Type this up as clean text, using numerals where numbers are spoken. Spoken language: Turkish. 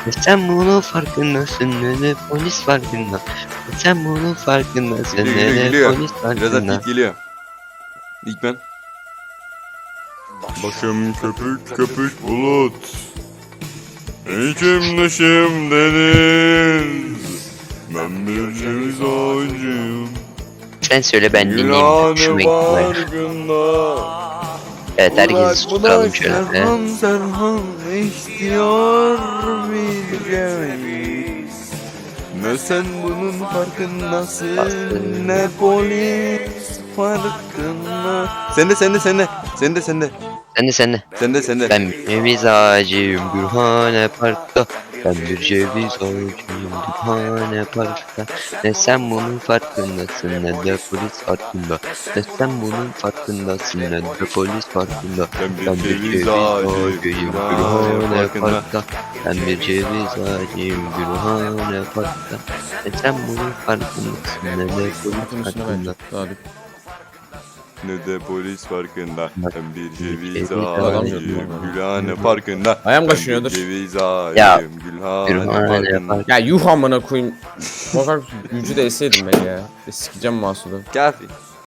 Sen bunun farkındasın ne de polis farkında. Sen bunun farkındasın ne de Geliyor. polis Birazdan farkında. ilk geliyor. İlk ben. Başım köpük köpük bulut, içim dışım deniz. Ben bir ceviz ağacıyım. Sen söyle ben dinleyeyim. Gülhane Hoşuma gitti. farkında. Evet herkesi susturalım şöyle. Serhan istiyor bir ceviz. Ne sen bunun farkındasın ne polis farkında. Sende. Sende. Ben bir ceviz ağacıyım Gülhane Park'ta. Ben bir ceviz ağacıyım Gülhane Park'ta. Ne sen bunun farkındasın ne de polis farkında. Ne sen bunun farkındasın ne de polis farkında. Ben bir ceviz ağacıyım Gülhane Park'ta. Ben bir ceviz ağacıyım Gülhane Park'ta. Ne sen bunun farkındasın ne de polis farkında. Ne de polis farkında. Ben bir ceviz Ceviz ağacıyım Gülhane Parkında. Ayağım Ben kaşınıyordur. bir ceviz Ya, ağacıyım Gülhane Gülhane Parkında. Park. Ya yuh amına koyayım. Bakar gücü de eseydim ben ya. Sikeceğim Mahsud'u. Kafi.